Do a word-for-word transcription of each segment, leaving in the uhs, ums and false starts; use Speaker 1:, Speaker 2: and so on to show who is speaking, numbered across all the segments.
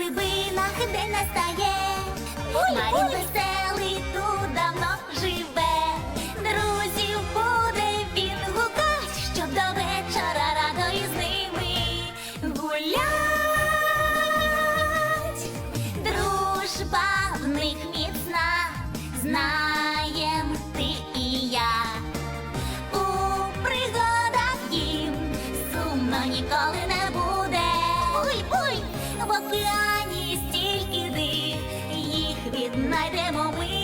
Speaker 1: глибинах день настає. Марін веселий тут давно живе. Друзів буде він гукать, щоб до вечора радо із ними гулять. Дружба в них міцна, знаєм ти і я. У пригадах їм сумно ніколи не буде. Ой, ой, в океані стільки див, їх віднайдемо ми.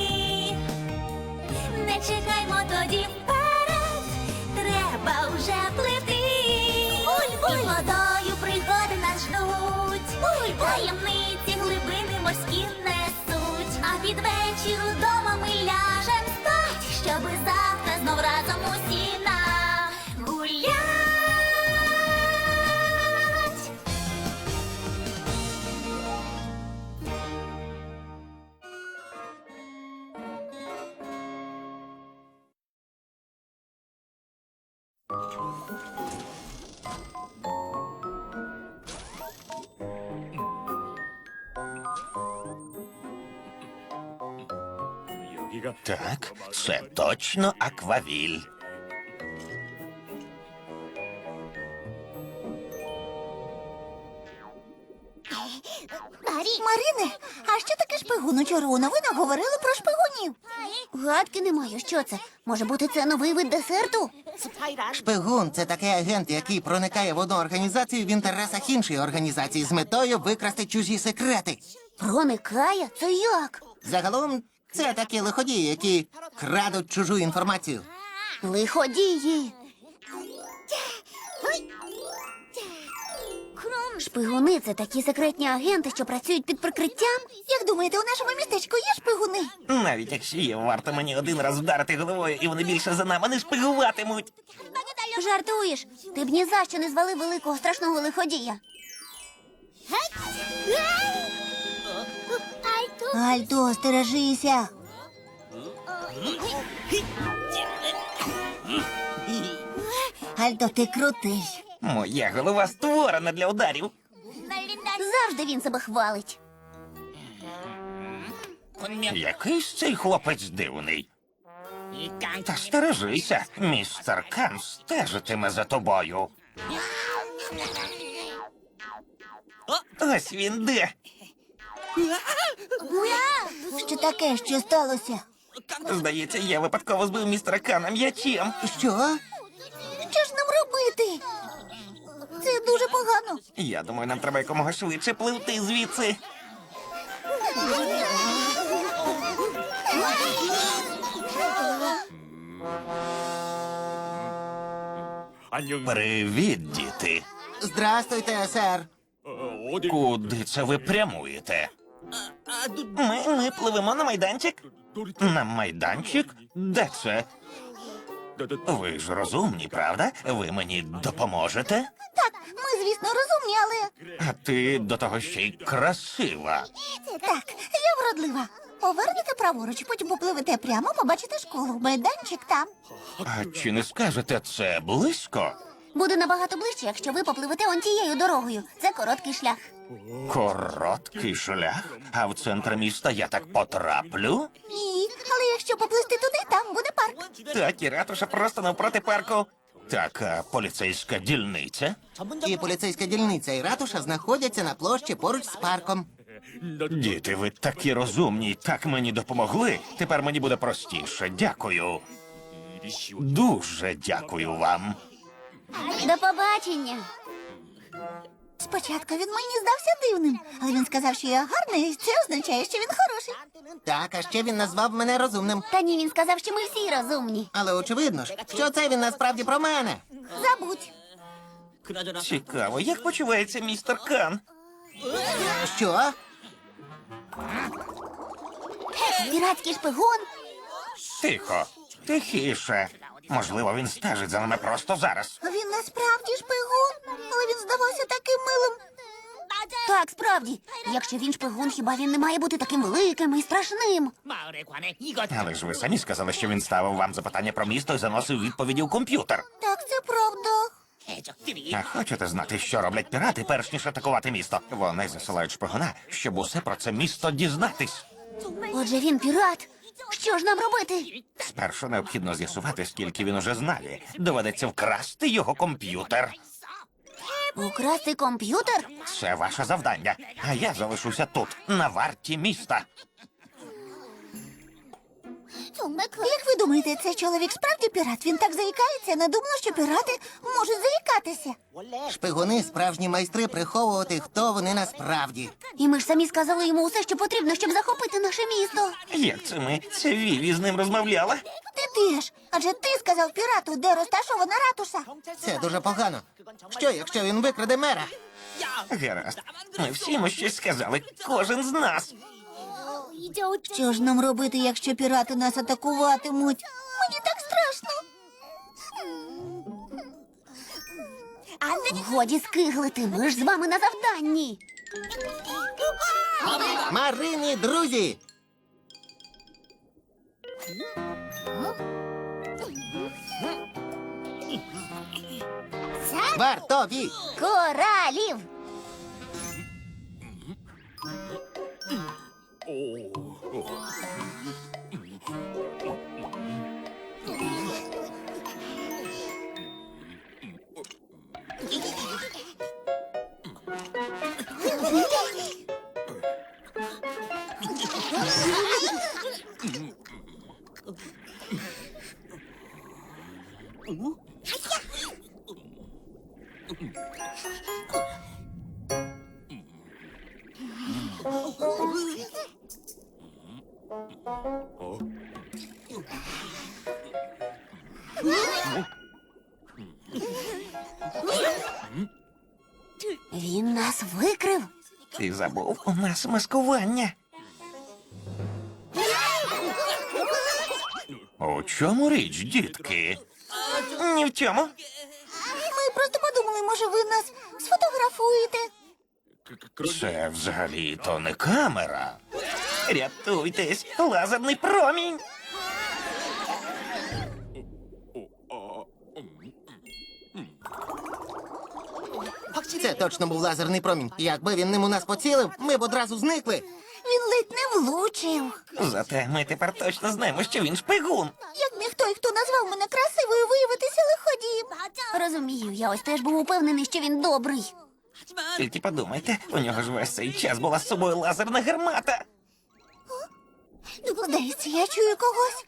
Speaker 1: Не чекаймо тоді вперед, треба вже плити. Ой, ой, і водою пригоди нас ждуть. Ой, таємниці глибини морські несуть. А під вечір удома ми ляжем спать, щоби завтра знов разом усі нагулять.
Speaker 2: Так, це точно аквавіль.
Speaker 1: Марине, а що таке шпигун? Учора у новинах говорили про шпигунів. Гадки не маю, що це? Може бути, це новий вид десерту?
Speaker 3: Шпигун – це такий агент, який проникає в одну організацію в інтересах іншої організації з метою викрасти чужі секрети.
Speaker 1: Проникає? Це як?
Speaker 3: Загалом, це такі лиходії, які крадуть чужу інформацію.
Speaker 1: Лиходії. Шпигуни – це такі секретні агенти, що працюють під прикриттям? Як думаєте, у нашому містечку є шпигуни?
Speaker 2: Навіть якщо є, варто мені один раз вдарити головою, і вони більше за нами не шпигуватимуть.
Speaker 1: Жартуєш? Ти б ні за що не звалив великого страшного лиходія. Альто, стережися. Альто, ти крутий.
Speaker 2: Моя голова створена для ударів.
Speaker 1: Завжди він себе хвалить.
Speaker 2: Якийсь цей хлопець дивний. Та стережися, містер Кан стежитиме за тобою. Ось він де.
Speaker 1: Що таке, що сталося?
Speaker 2: Здається, я випадково збив містера Кана м'ячем.
Speaker 3: Що?
Speaker 1: Що ж нам робити? Це дуже погано.
Speaker 2: Я думаю, нам треба якомога швидше пливти звідси. Привіт, діти.
Speaker 3: Здрастуйте, сер.
Speaker 2: Куди це ви прямуєте? Ми, ми пливемо на майданчик? На майданчик? Де це? Ви ж розумні, правда? Ви мені допоможете?
Speaker 1: Так, ми, звісно, розумні, але...
Speaker 2: А ти до того ще й красива.
Speaker 1: Так, я вродлива. Повернете праворуч, потім попливете прямо, побачите школу. Майданчик там.
Speaker 2: А чи не скажете, це близько?
Speaker 1: Буде набагато ближче, якщо ви попливете он тією дорогою. Це короткий шлях.
Speaker 2: Короткий шлях? А в центр міста я так потраплю?
Speaker 1: Ні, але якщо поплисти туди, там буде парк.
Speaker 2: Так, і ратуша просто навпроти парку. Так, а поліцейська дільниця?
Speaker 3: І поліцейська дільниця, і ратуша знаходяться на площі поруч з парком.
Speaker 2: Діти, ви такі розумні, так мені допомогли. Тепер мені буде простіше. Дякую. Дуже дякую вам.
Speaker 1: До побачення. Спочатку він мені здався дивним, але він сказав, що я гарна, і це означає, що він хороший.
Speaker 3: Так, а ще він назвав мене розумним.
Speaker 1: Та ні, він сказав, що ми всі розумні.
Speaker 3: Але очевидно ж, що це він насправді про мене.
Speaker 1: Забудь.
Speaker 2: Цікаво, як почувається містер Кан?
Speaker 3: Що?
Speaker 1: Піратський шпигун.
Speaker 2: Тихо, тихіше. Можливо, він стежить за нами просто зараз.
Speaker 1: Він насправді шпигун, але він здавався таким милим. Так, справді. Якщо він шпигун, хіба він не має бути таким великим і страшним?
Speaker 2: Але ж ви самі сказали, що він ставив вам запитання про місто і заносив відповіді у комп'ютер.
Speaker 1: Так, це правда.
Speaker 2: А хочете знати, що роблять пірати, перш ніж атакувати місто? Вони засилають шпигуна, щоб усе про це місто дізнатись.
Speaker 1: Отже, він пірат. Що ж нам робити?
Speaker 2: Спершу необхідно з'ясувати, скільки він уже знає. Доведеться вкрасти його комп'ютер.
Speaker 1: Украсти комп'ютер?
Speaker 2: Це ваше завдання. А я залишуся тут, на варті міста.
Speaker 1: Як ви думаєте, цей чоловік справді пірат? Він так заїкається, не думала, що пірати можуть заїкатися.
Speaker 3: Шпигуни справжні майстри приховувати, хто вони насправді.
Speaker 1: І ми ж самі сказали йому усе, що потрібно, щоб захопити наше місто.
Speaker 2: Як це ми? Це Віві з ним розмовляла?
Speaker 1: Ти теж. Адже ти сказав пірату, де розташована ратуша.
Speaker 3: Це дуже погано. Що, якщо він викраде мера?
Speaker 2: Гаразд. Ми всі йому щось сказали. Кожен з нас.
Speaker 1: Що ж нам робити, якщо пірати нас атакуватимуть? Мені так страшно. Годі скиглити, ми ж з вами на завданні.
Speaker 3: Марині, друзі! Вартові!
Speaker 1: Коралів! Він нас викрив.
Speaker 2: Ти забув, у нас маскування. У чому річ, дітки? Ні в чому.
Speaker 1: Ми просто подумали, може, ви нас сфотографуєте.
Speaker 2: Це взагалі-то не камера. Рятуйтесь, лазерний промінь.
Speaker 3: Це точно був лазерний промінь. Якби він ним у нас поцілив, ми б одразу зникли.
Speaker 1: Він ледь не влучив.
Speaker 2: Зате ми тепер точно знаємо, що він шпигун.
Speaker 1: Як міг той, хто назвав мене красивою, виявитися лиходієм? Розумію, я ось теж був упевнений, що він добрий.
Speaker 2: Тільки подумайте, у нього ж весь цей час була з собою лазерна гармата.
Speaker 1: Здається, я чую когось.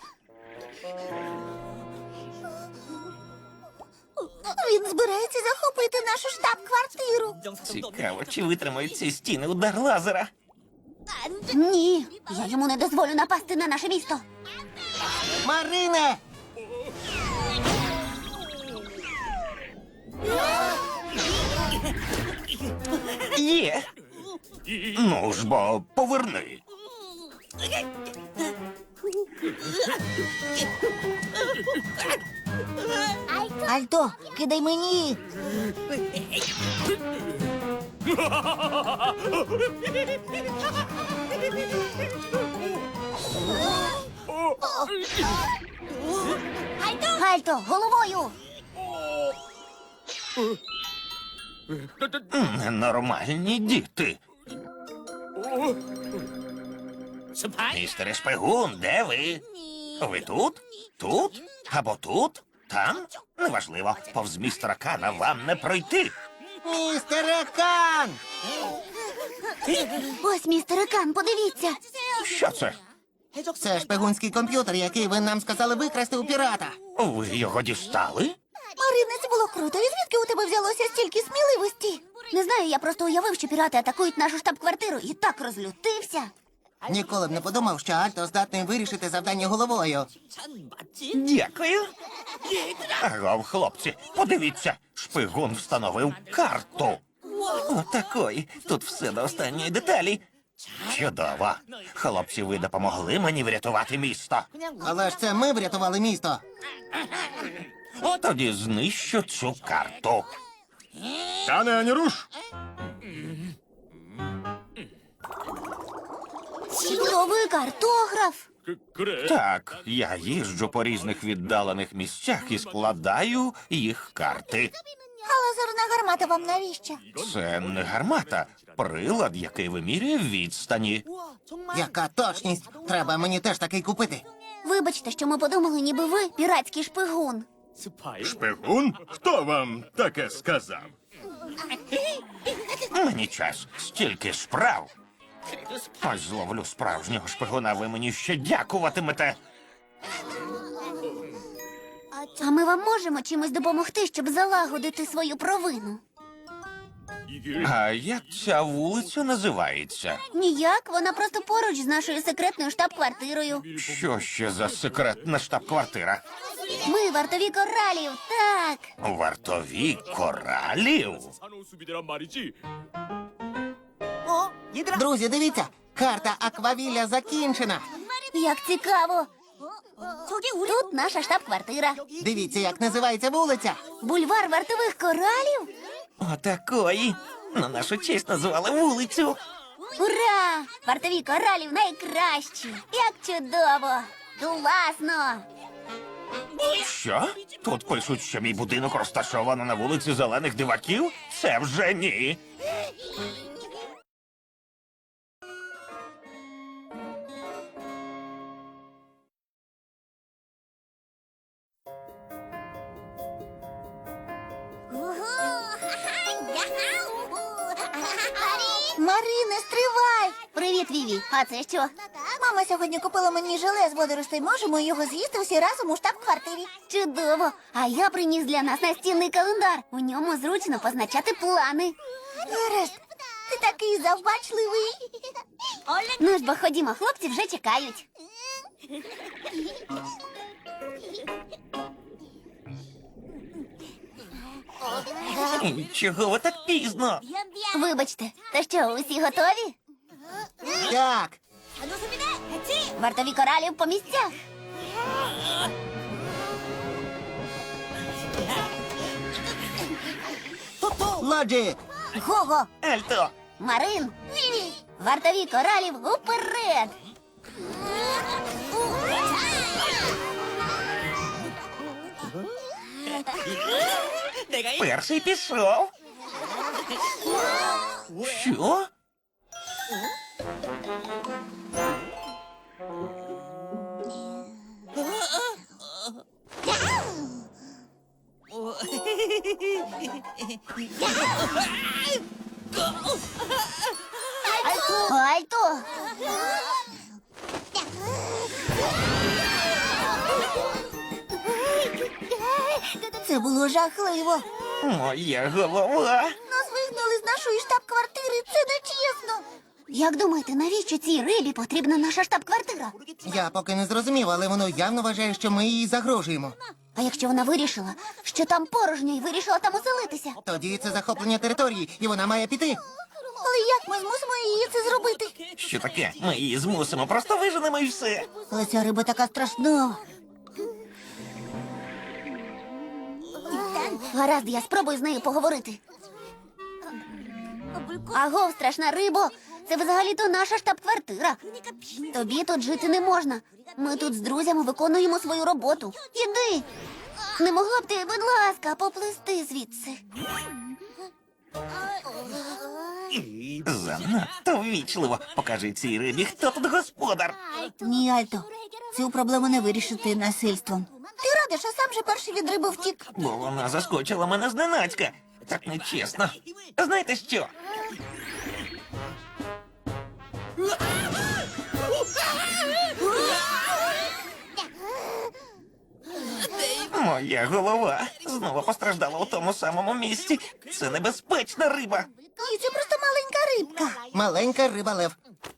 Speaker 1: Він збирається захопити нашу штаб-квартиру.
Speaker 2: Цікаво, чи витримають ці стіни удар лазера.
Speaker 1: Ні, я йому не дозволю напасти на наше місто.
Speaker 3: Марине!
Speaker 2: Є. Ну ж бо, поверни.
Speaker 1: Альто, кидай мені. Альто, головою.
Speaker 2: Ненормальні діти. Містере шпигун, де ви? Ви тут? Тут? Або тут? Там? Неважливо. Повз містера Кана вам не пройти.
Speaker 3: Містере Кан!
Speaker 1: Ось, містер Кан, подивіться.
Speaker 2: Що це?
Speaker 3: Це шпигунський комп'ютер, який ви нам сказали викрасти у пірата.
Speaker 2: Ви його дістали?
Speaker 1: Марине, це було круто. І звідки у тебе взялося стільки сміливості? Не знаю, я просто уявив, що пірати атакують нашу штаб-квартиру і так розлютився.
Speaker 3: Ніколи б не подумав, що Альто здатний вирішити завдання головою.
Speaker 2: Дякую. Агов, хлопці, подивіться, шпигун встановив карту. Отакої. Тут все до останньої деталі. Чудово. Хлопці, ви допомогли мені врятувати місто.
Speaker 3: Але ж це ми врятували місто.
Speaker 2: Тоді знищу цю карту.
Speaker 4: Кане, ані руш!
Speaker 1: Чудовий картограф.
Speaker 2: Так, я їжджу по різних віддалених місцях і складаю їх карти.
Speaker 1: А лазерна гармата вам навіщо?
Speaker 2: Це не гармата, прилад, який вимірює відстані.
Speaker 3: Яка точність? Треба мені теж такий купити.
Speaker 1: Вибачте, що ми подумали, ніби ви піратський шпигун.
Speaker 4: Шпигун? Хто вам таке сказав?
Speaker 2: Мені час, стільки справ. Ось зловлю справжнього шпигуна, ви мені ще дякуватимете.
Speaker 1: А ми вам можемо чимось допомогти, щоб залагодити свою провину?
Speaker 2: А як ця вулиця називається?
Speaker 1: Ніяк, вона просто поруч з нашою секретною штаб-квартирою.
Speaker 2: Що ще за секретна штаб-квартира?
Speaker 1: Ми вартові коралів, так.
Speaker 2: Вартові коралів?
Speaker 3: Друзі, дивіться, карта Аквавілля закінчена.
Speaker 1: Як цікаво. Тут наша штаб-квартира.
Speaker 3: Дивіться, як називається вулиця.
Speaker 1: Бульвар вартових коралів?
Speaker 2: Отакої. На нашу честь назвали вулицю.
Speaker 1: Ура! Вартові коралів найкращі! Як чудово! Класно!
Speaker 2: Що? Тут пишуть, що мій будинок розташовано на вулиці Зелених Диваків? Це вже ні.
Speaker 1: Марине, стривай! Привіт, Віві. А це що? Мама сьогодні купила мені желе з водоростей. Можемо його з'їсти всі разом у штаб-квартирі. Чудово! А я приніс для нас настінний календар. У ньому зручно позначати плани. Гаразд, ти такий завбачливий. Ну ж бо ходімо, хлопці вже чекають.
Speaker 2: Чого ви так пізно?
Speaker 1: Вибачте, та що, усі готові?
Speaker 3: Так,
Speaker 1: Вартові коралів по місцях.
Speaker 3: Лоджик.
Speaker 1: Гого,
Speaker 2: Альто,
Speaker 1: Марин, Віві, вартові коралів уперед.
Speaker 2: перший пішов. Що?
Speaker 1: Альто! Це було жахливо.
Speaker 2: Моя голова.
Speaker 1: Нас вигнали з нашої штаб-квартири. Це нечесно. Як думаєте, навіщо цій рибі потрібна наша штаб-квартира?
Speaker 3: Я поки не зрозумів, але воно явно вважає, що ми їй загрожуємо.
Speaker 1: А якщо вона вирішила, що там порожньо і вирішила там оселитися?
Speaker 3: Тоді це захоплення території, і вона має піти.
Speaker 1: Але як ми змусимо її це зробити?
Speaker 2: Що таке? Ми її змусимо, просто виженемо і все.
Speaker 1: Але ця риба така страшна. Гаразд, я спробую з нею поговорити. Агов, страшна рибо, це взагалі-то наша штаб-квартира. Тобі тут жити не можна. Ми тут з друзями виконуємо свою роботу. Іди. Не могла б ти, будь ласка, поплисти звідси.
Speaker 2: Занадто ввічливо. Покажи цій рибі, хто тут господар.
Speaker 1: Ні, Альто, цю проблему не вирішити насильством. Ти радиш, а сам же перший від риби втік.
Speaker 2: Бо вона заскочила мене зненацька. Так нечесно. Знаєте що? Моя голова знову постраждала у тому самому місці. Це небезпечна риба.
Speaker 1: Ні, це просто маленька рибка.
Speaker 3: Маленька риба лев.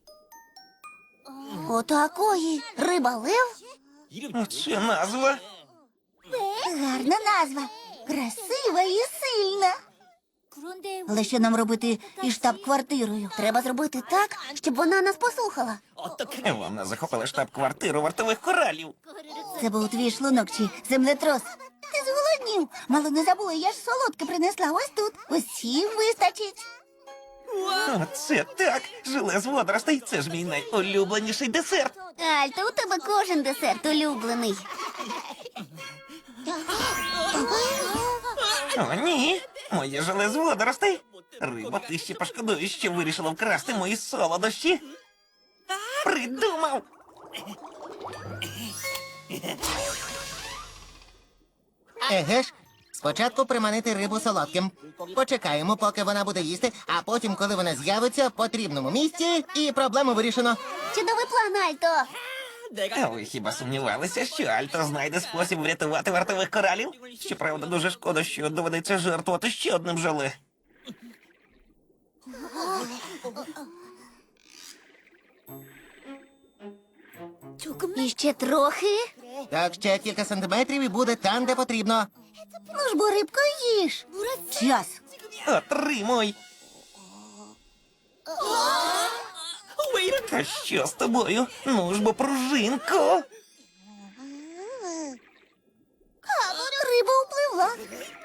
Speaker 1: Отакої. Риба лев?
Speaker 2: Це назва.
Speaker 1: Гарна назва. Красива і сильна. Але що нам робити із штаб-квартирою? Треба зробити так, щоб вона нас послухала.
Speaker 2: Вона захопила штаб-квартиру вартових коралів.
Speaker 1: Це був твій шлунок чи землетрос. Ти зголоднів. Мало не забула, я ж солодке принесла ось тут. Усім вистачить.
Speaker 2: Оце так. Желе з водоростей. Це ж мій найулюбленіший десерт.
Speaker 1: Альто, у тебе кожен десерт улюблений.
Speaker 2: О, ні. Моє желе з водоростей. Риба, ти ще пошкодуєш, що вирішила вкрасти мої солодощі. Придумав!
Speaker 3: Еге ж, спочатку приманити рибу солодким. Почекаємо, поки вона буде їсти, а потім, коли вона з'явиться в потрібному місці, і проблему вирішено.
Speaker 1: Чудовий план, Альто.
Speaker 2: А ви хіба сумнівалися, що Альто знайде спосіб врятувати вартових коралів? Щоправда, дуже шкода, що доведеться жертвувати ще одним желе.
Speaker 1: І ще трохи.
Speaker 3: Так, ще кілька сантиметрів і буде там, де потрібно.
Speaker 1: Ну ж бо, рибко, їж. Час.
Speaker 2: Отримуй! Та що з тобою? Ну ж бо, пружинко!
Speaker 1: Риба впливла.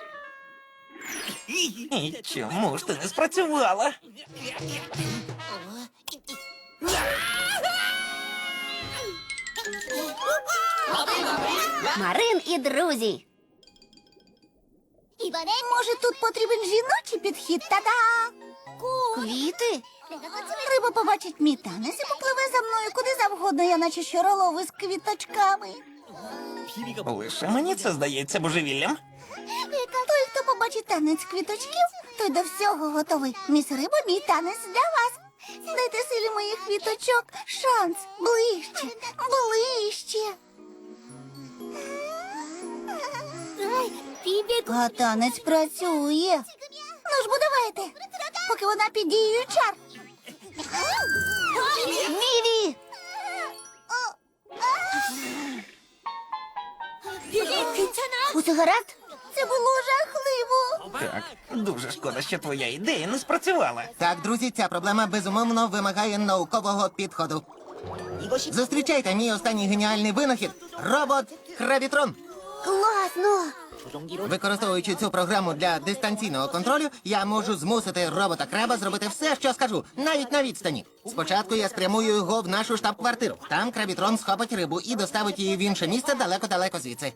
Speaker 2: І чому ж ти не спрацювала?
Speaker 1: Марин і друзі. Може, тут потрібен жіночий підхід? Та-да! Квіти? Риба побачить мій танець і попливе за мною куди завгодно, я наче щоролови з квіточками.
Speaker 2: Лише мені це здається божевіллям.
Speaker 1: Той, хто побачить танець квіточків, той до всього готовий. Міс Риба, мій танець для вас. Дайте силі моїх квіточок шанс. Ближче, ближче. А танець працює. Ну ж бо давайте, поки вона під дією чар. Віві! Усе гаразд? Це було жахливо.
Speaker 2: Так, дуже шкода, що твоя ідея не спрацювала.
Speaker 3: Так, друзі, ця проблема безумовно вимагає наукового підходу. Зустрічайте мій останній геніальний винахід – робот-крабітрон.
Speaker 1: Класно.
Speaker 3: Використовуючи цю програму для дистанційного контролю, я можу змусити робота-краба зробити все, що скажу, навіть на відстані. Спочатку я спрямую його в нашу штаб-квартиру. Там крабітрон схопить рибу і доставить її в інше місце далеко-далеко звідси.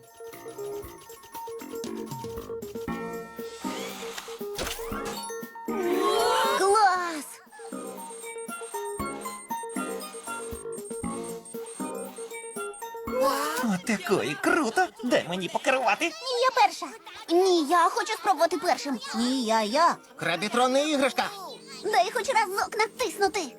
Speaker 1: Клас.
Speaker 2: Отакої круто! Дай мені покерувати.
Speaker 1: Ні, я перша. Ні, я хочу спробувати першим. Ні, я, я.
Speaker 3: Крабітрон не іграшка.
Speaker 1: Дай хоч разок натиснути.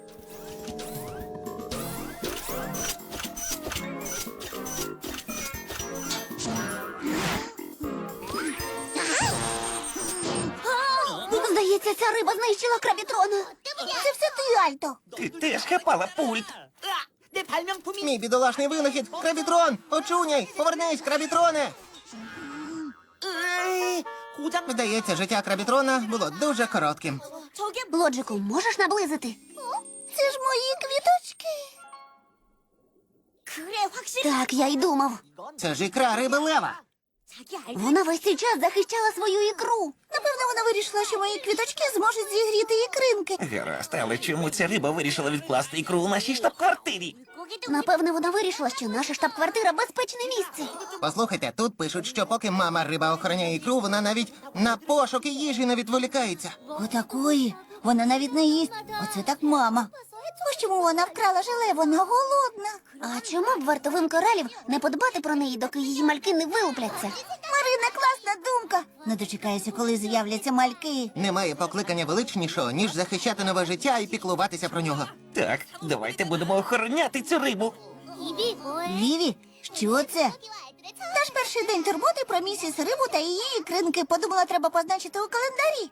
Speaker 1: Здається, ця риба знищила крабітрона. Це все ти, Альто.
Speaker 2: Ти теж хапала пульт.
Speaker 3: Мій бідолашний винахід. Крабітрон! Очуняй! Повернись, крабітроне! Здається, життя крабітрона було дуже коротким.
Speaker 1: Лоджику, можеш наблизити? Це ж мої квіточки. Так, я й думав.
Speaker 3: Це ж ікра риби лева.
Speaker 1: Вона весь цей час захищала свою ікру. Напевно, вона вирішила, що мої квіточки зможуть зігріти ікринки.
Speaker 2: Гаразд, але чому ця риба вирішила відкласти ікру у нашій штаб-квартирі?
Speaker 1: Напевно, вона вирішила, що наша штаб-квартира безпечне місце.
Speaker 3: Послухайте, тут пишуть, що поки мама риба охороняє ікру, вона навіть на пошуки їжі не відволікається.
Speaker 1: Отакої. Вона навіть не їсть. Оце так мама. Ось чому вона вкрала желе, вона голодна. А чому б вартовим коралів не подбати про неї, доки її мальки не вилупляться? Марина, класна думка. Не дочекаюся, коли з'являться мальки.
Speaker 3: Немає покликання величнішого, ніж захищати нове життя і піклуватися про нього.
Speaker 2: Так, давайте будемо охороняти цю рибу.
Speaker 1: Віві, що це? Наш перший день турботи про місіс Рибу та її ікринки. Подумала, треба позначити у календарі.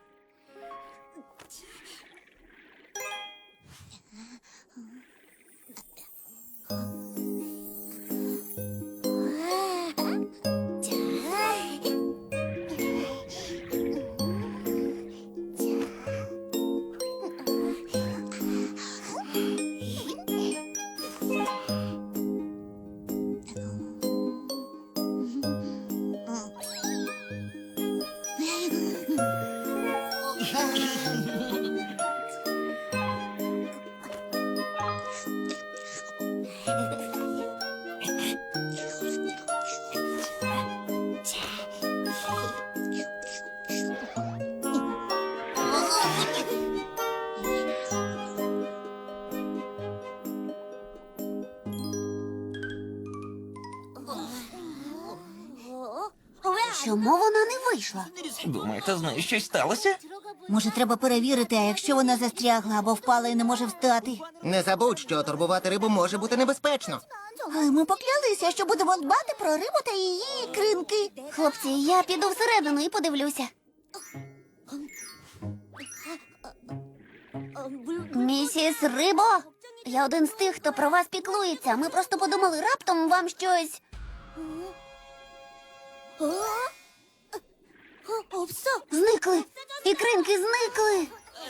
Speaker 1: Чому вона не вийшла?
Speaker 2: Думаєте, з нею щось сталося?
Speaker 1: Може, треба перевірити, а якщо вона застрягла або впала і не може встати.
Speaker 3: Не забудь, що турбувати рибу може бути небезпечно.
Speaker 1: Але ми поклялися, що будемо дбати про рибу та її ікринки. Хлопці, я піду всередину і подивлюся. Місіс Рибо, я один з тих, хто про вас піклується. Ми просто подумали, раптом вам щось. Зникли. Ікринки зникли.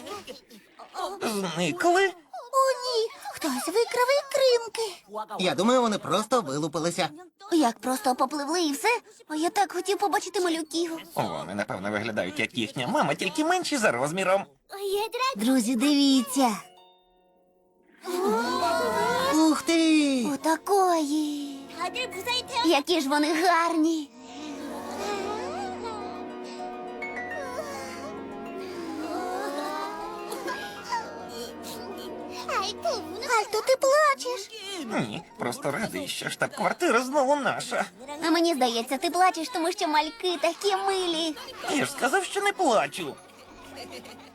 Speaker 2: Зникли?
Speaker 1: О, ні. Хтось викрав ікринки.
Speaker 3: Я думаю, вони просто вилупилися.
Speaker 1: Як просто попливли і все? А я так хотів побачити малюків.
Speaker 2: Вони, напевно, виглядають як їхня мама, тільки менші за розміром.
Speaker 1: Друзі, дивіться.
Speaker 3: Ух ти!
Speaker 1: Отакої. Які ж вони гарні. Альто, ти плачеш.
Speaker 2: Ні, просто радий, що штаб-квартира знову наша.
Speaker 1: А мені здається, ти плачеш, тому що мальки такі милі.
Speaker 2: Я ж сказав, що не плачу.